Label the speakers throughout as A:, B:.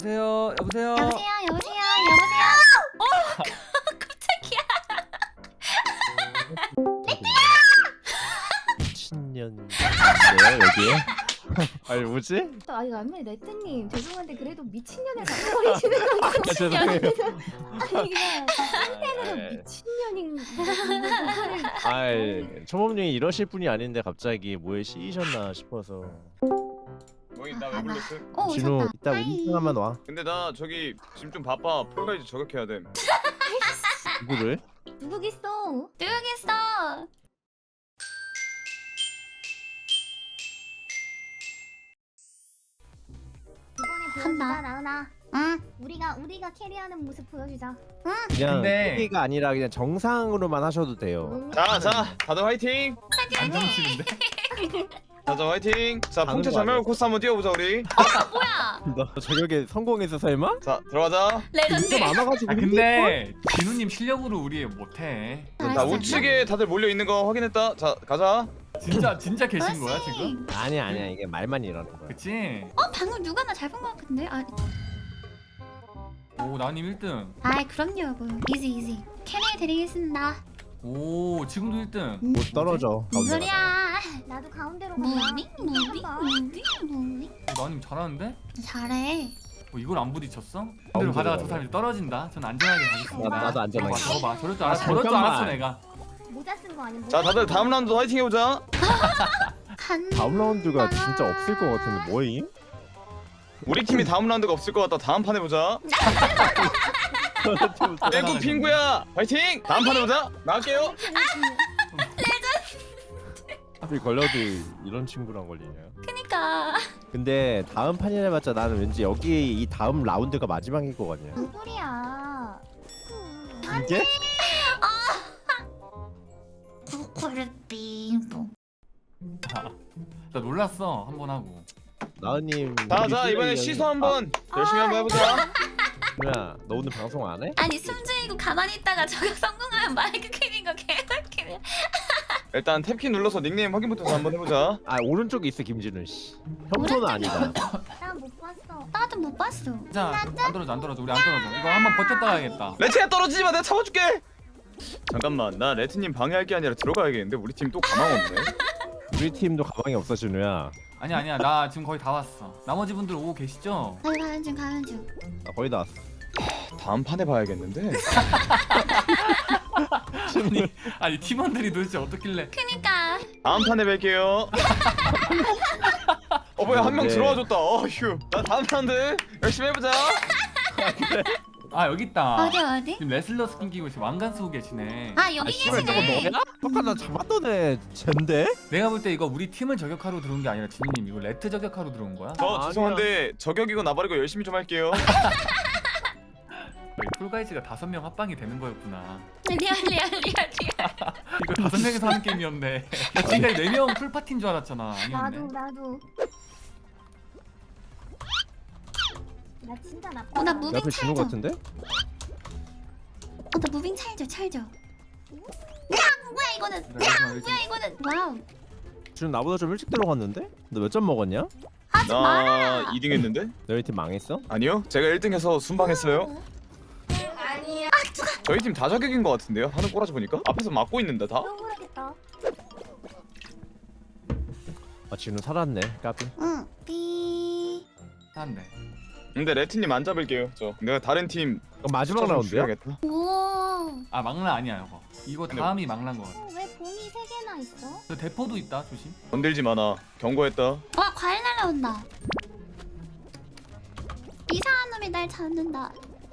A: 여보세요. 여보세요.
B: 여보세요, 여보세요, 여보세요. 깜짝이야.
C: 미친년이에요 여기에? 아니 뭐지?
D: 아니 아무리 레트님 죄송한데 그래도 미친년을 갖고 버리시는 건
C: 아, 죄송해요.
D: 아니 그냥 한편으로 미친년인
C: 아이 초범님이 이러실 분이 아닌데 갑자기 뭐에 씌이셨나 싶어서.
E: 뭐이 나왜 불렀어?
B: 오,
C: 진우
B: 오셨다.
C: 이따
B: 하이.
C: 운동하면 와.
E: 근데 나 저기 지금 좀 바빠. 폴가이즈 저격해야 돼.
C: 누구를?
D: 누구겠어?
B: 누구겠어?
D: 이번에
B: 한다.
D: 보여주자 라은아.
B: 응,
D: 우리가 캐리하는 모습 보여주자.
C: 그냥
A: 근데-
C: TV가 아니라 그냥 정상으로만 하셔도 돼요.
E: 자, 다들 화이팅.
A: 안 정치는데?
E: 자, 화이팅. 자,
C: 가는
E: 풍차
C: 거 아니야?
E: 잘말 코스 한번 뛰어보자 우리.
B: 뭐야?
C: 너 저격에 성공해서 설마?
E: 자, 들어가자.
B: 레전드.
C: 진짜 많아가지고.
A: 아 근데 진우님 실력으로 우리 못해.
E: 자,
B: 알았어.
E: 우측에 다들 몰려 있는 거 확인했다. 자, 가자.
A: 진짜 계신 거야
B: 멋있.
A: 지금?
C: 아니야 이게 말만 이러는 거야.
A: 그치?
B: 방금 누가 나 잘 본 것 같은데?
A: 오 나님 1등.
B: 그럼요. 뭐. 이지. 캐리 드리겠습니다.
A: 오 지금도 1등.
C: 못 떨어져.
B: 뭔 소리야?
D: 나도 가운데로 가자.
B: 무빙.
A: 나님 잘하는데?
B: 잘해.
A: 이걸 안 부딪혔어?
C: 가운데로
A: 그대로 가다가
C: 가네.
A: 저 사람이 떨어진다. 전 안전하게 가겠습니다.
C: 나도 안전하게.
A: 저거 봐. 저럴 줄 알았어.
C: 잠깐만.
A: 저럴 줄 알았어 내가.
D: 모자 쓴 거 아니야?
E: 자, 다들 다음 라운드 화이팅 해보자.
C: 다음 라운드가 진짜 없을 것 같은데 뭐임?
E: 우리 팀이 다음 라운드가 없을 것 같다. 다음 판 해보자. 땡구 핑구야, 화이팅. 다음 판 해보자. 나갈게요.
C: 하필 걸려도 이런 친구랑 걸리냐?
B: 그니까.
C: 근데 다음 판이라 해봤자 나는 왠지 여기 이 다음 라운드가 마지막일 것 같냐?
D: 뭔 소리야?
C: 이게?
B: 코르빙봉.
A: 나 놀랐어 한 번 하고.
C: 나은님.
E: 자, 이번에 시소 한번 열심히 한번 해보자.
C: 누나 너 오늘 방송 안 해?
B: 아니 숨죽이고 가만히 있다가 저격 성공하면 마이크 켜는 거 개웃기네.
E: 일단 탭키 눌러서 닉네임 확인부터 한번 해보자.
C: 아 오른쪽에 있어 김진우 씨. 평소는 아니다.
D: 난 못 봤어.
B: 나도 못 봤어.
A: 자, 안 떨어져. 우리 안 떨어져. 이거 한번 버텼다 가야겠다.
E: 레트야 떨어지지 마. 내가 잡아줄게. 잠깐만, 나 레트님 방해할 게 아니라 들어가야겠는데 우리 팀 또 가망 없네.
C: 우리 팀도 가방이 없어 진우야.
A: 아니야. 나 지금 거의 다 왔어. 나머지 분들 오고 계시죠?
B: 가는 중.
C: 나 거의 다 왔어.
E: 다음 판에 봐야겠는데.
A: 아니 팀원들이 도대체 어떻길래?
B: 그니까.
E: 다음 판에 뵐게요. 뭐야, 한 명
C: 네.
E: 들어와줬다. 휴. 나 다음 라운드 열심히 해보자.
A: 아 여기 있다.
B: 어디?
A: 지금 레슬러 스킨 끼고 지금 왕관 쓰고 계시네.
B: 여기
C: 씨발 저거
B: 계시네.
C: 너야? 아까 나 잡았던 애 쟨데?
A: 내가 볼 때 이거 우리 팀을 저격하러 들어온 게 아니라 진우님 이거 레트 저격하러 들어온 거야?
E: 저
C: 아니야.
E: 죄송한데 저격이고 나발이고 열심히 좀 할게요.
A: 폴가이즈가 5명 합방이 되는 거였구나.
B: 리얼.
A: 이거 5명이서 하는 게임이었네. 나 지금 4명 풀파티인 줄 알았잖아. 아니었네.
D: 나도. 나 진짜 나빠.
B: 나
C: 내
B: 무빙
C: 앞에 진우
B: 찰져.
C: 같은데?
B: 나 무빙 찰져. 야 뭐야 이거는? 이거는? 와우.
C: 진우 나보다 좀 일찍 들어갔는데? 너 몇 점 먹었냐?
B: 하지
E: 나
B: 말아라.
E: 2등 했는데?
C: 너희 팀 망했어?
E: 아니요, 제가 1등해서 순방했어요. 저희 팀 다 저격인 것 같은데요? 하는 꼬라지 보니까? 앞에서 막고 있는데 다?
D: 억울하겠다.
C: 아 진우 살았네. 까비.
B: 응. 삐.
A: 샀네.
E: 근데 레트님 안 잡을게요. 저 내가 다른 팀
C: 그럼 마지막 라운드야?
E: 죽여야겠다.
B: 오.
A: 아 막라 아니야 이거. 이거 다음이 막란 거 같아.
D: 왜 봉이 3개나 있어?
A: 저 대포도 있다 조심.
E: 건들지 마나. 경고했다.
B: 와 과일 날라온다. 이상한 놈이 날 잡는다.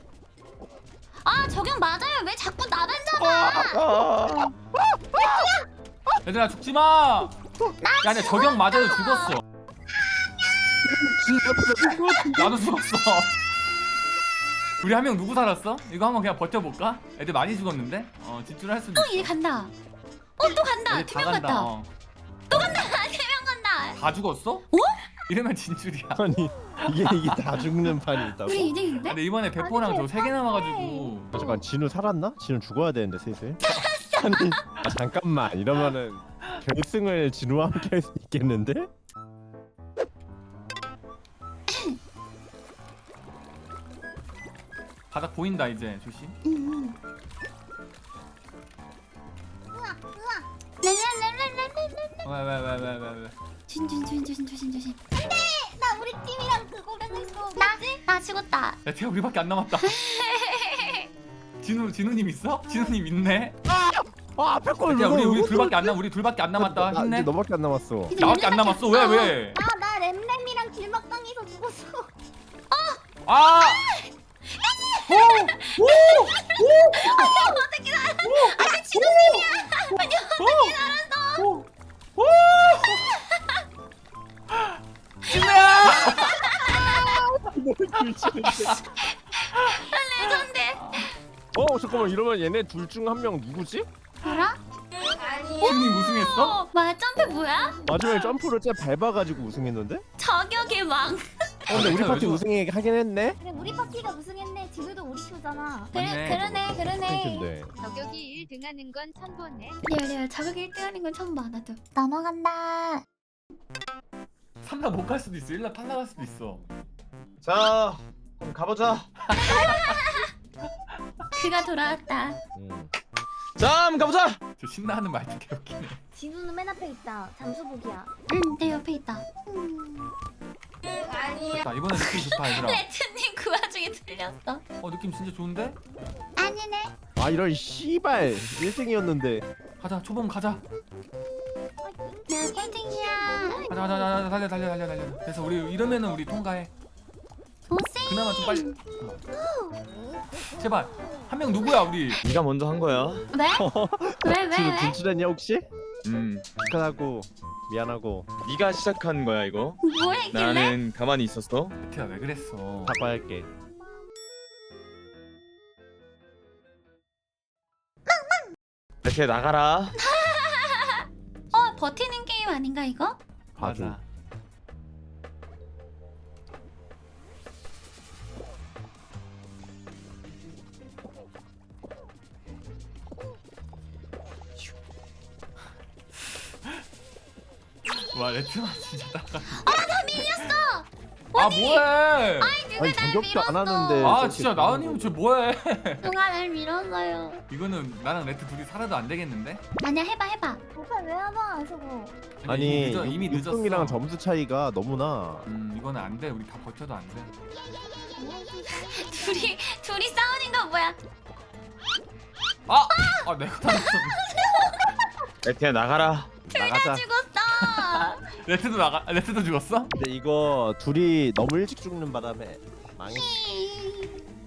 B: 저격 맞아요. 왜 자꾸 나만 잡아?
A: 얘들아 죽지 마. 야, 내 저격 맞아도 죽었어. 나도 죽었어. 우리 한 명 누구 살았어? 이거 한번 그냥 버텨볼까? 애들 많이 죽었는데? 진출할 수도 있어.
B: 얘 간다. 또 간다.
A: 애들 다
B: 2명
A: 간다.
B: 갔다. 3명 간다.
A: 다 죽었어? 이러면 진출이야.
C: 아니 이게 다 죽는 판이 있다고?
B: 우리 2등인데?
A: 근데 이번에 대포랑 저 3개 남아가지고.
C: 잠깐 진우 살았나? 진우 죽어야 되는데 슬슬. 아니 잠깐만 이러면은 결승을 진우와 함께 할 수 있겠는데?
A: 바닥 보인다 이제 조심.
B: 우와. 랄랄랄랄랄랄랄.
A: 왜.
B: 조심. 안돼. 나 우리 팀이랑 그거랑 했어. 나 죽었다.
A: 야 태야 우리밖에 안 남았다. 진우님 있어? 진우님 있네.
C: 앞에 걸
A: 야 우리
C: 누가
A: 둘밖에 안 남. 우리 둘밖에 안 남았다.
C: 나
A: 힘내.
C: 이제 너밖에 안 남았어.
A: 나밖에 안 남았어. 왜?
B: 나 램램이랑 길막당해서 죽었어.
A: 아!
B: 어떻게 알았어? 아니 진우님이야. 아니 어떻게 알았어?
A: 진우야!
B: 레전드.
C: 잠깐만 이러면 얘네 둘 중 한 명 누구지?
B: 알아?
A: 진우님 우승했어?
B: 뭐야 점프 뭐야?
C: 마지막에 점프를 쟤 밟아가지고 우승했는데?
B: 저격의 왕.
C: 근데 우리
A: 진짜
C: 파티
A: 요즘-
C: 우승하긴 했네?
D: 그래 우리 파티가 우승했네. 지금도 우리 표잖아.
A: 맞네.
B: 그러네.
C: 근데
F: 저격이 1등하는 건 처음 보네.
B: 리얼 저격이 1등하는 건 처음 봐 나도. 넘어간다.
A: 3라 못 갈 수도 있어. 1라 탈락할 수도 있어.
E: 자 그럼 가보자.
B: 그가 돌아왔다.
E: 자 한번 가보자.
A: 저 신나하는 말도 개웃기네.
D: 진우는 맨 앞에 있다. 잠수복이야.
B: 내 옆에 있다.
A: 좋다. 이번엔 느낌 좋다 얘들아.
B: 레트님 그 와중에 틀렸어.
A: 느낌 진짜 좋은데?
B: 아니네.
C: 아 이런 씨발 1등이었는데
A: 가자. 초봉 가자.
B: 나 1등이야.
A: 가자. 달려. 그래서 우리 이러면은 우리 통과해.
B: 도생.
A: 그나마 좀 빨리. 제발 한 명 누구야 우리?
E: 네가 먼저 한 거야.
B: 왜?
C: 지금
B: 왜?
C: 진출했냐 혹시? 축하하고 미안하고
E: 네가 시작한 거야 이거.
B: 뭐 했길래?
E: 나는 가만히 있었어.
A: 태야 왜 그랬어?
C: 사과할게.
E: 이렇게 나가라.
B: 버티는 게임 아닌가 이거?
C: 봐줘.
A: 맞아. 와 레트만 진짜 따가.
B: 나 밀렸어.
A: 아 뭐해?
B: 누가
C: 아니
B: 날
C: 저격도 안
B: 밀었어?
C: 하는데
A: 아
C: 저렇게
A: 진짜 나은님 저 뭐해?
B: 누가 날 밀었어요.
A: 이거는 나랑 레트 둘이 살아도 안 되겠는데?
B: 아니야 해봐.
D: 오빠 왜 하나 저거?
C: 아니
A: 이미 늦었어.
C: 6등이랑 점수 차이가 너무나.
A: 이거는 안 돼. 우리 다 버텨도 안 돼.
B: 둘이 싸우는 거 뭐야?
A: 아 내가 다 늦었어.
E: 레트야 나가라.
C: 나가자.
B: 죽었어.
A: 레트도 죽었어?
C: 근데 이거 둘이 너무 일찍 죽는 바람에 망했어.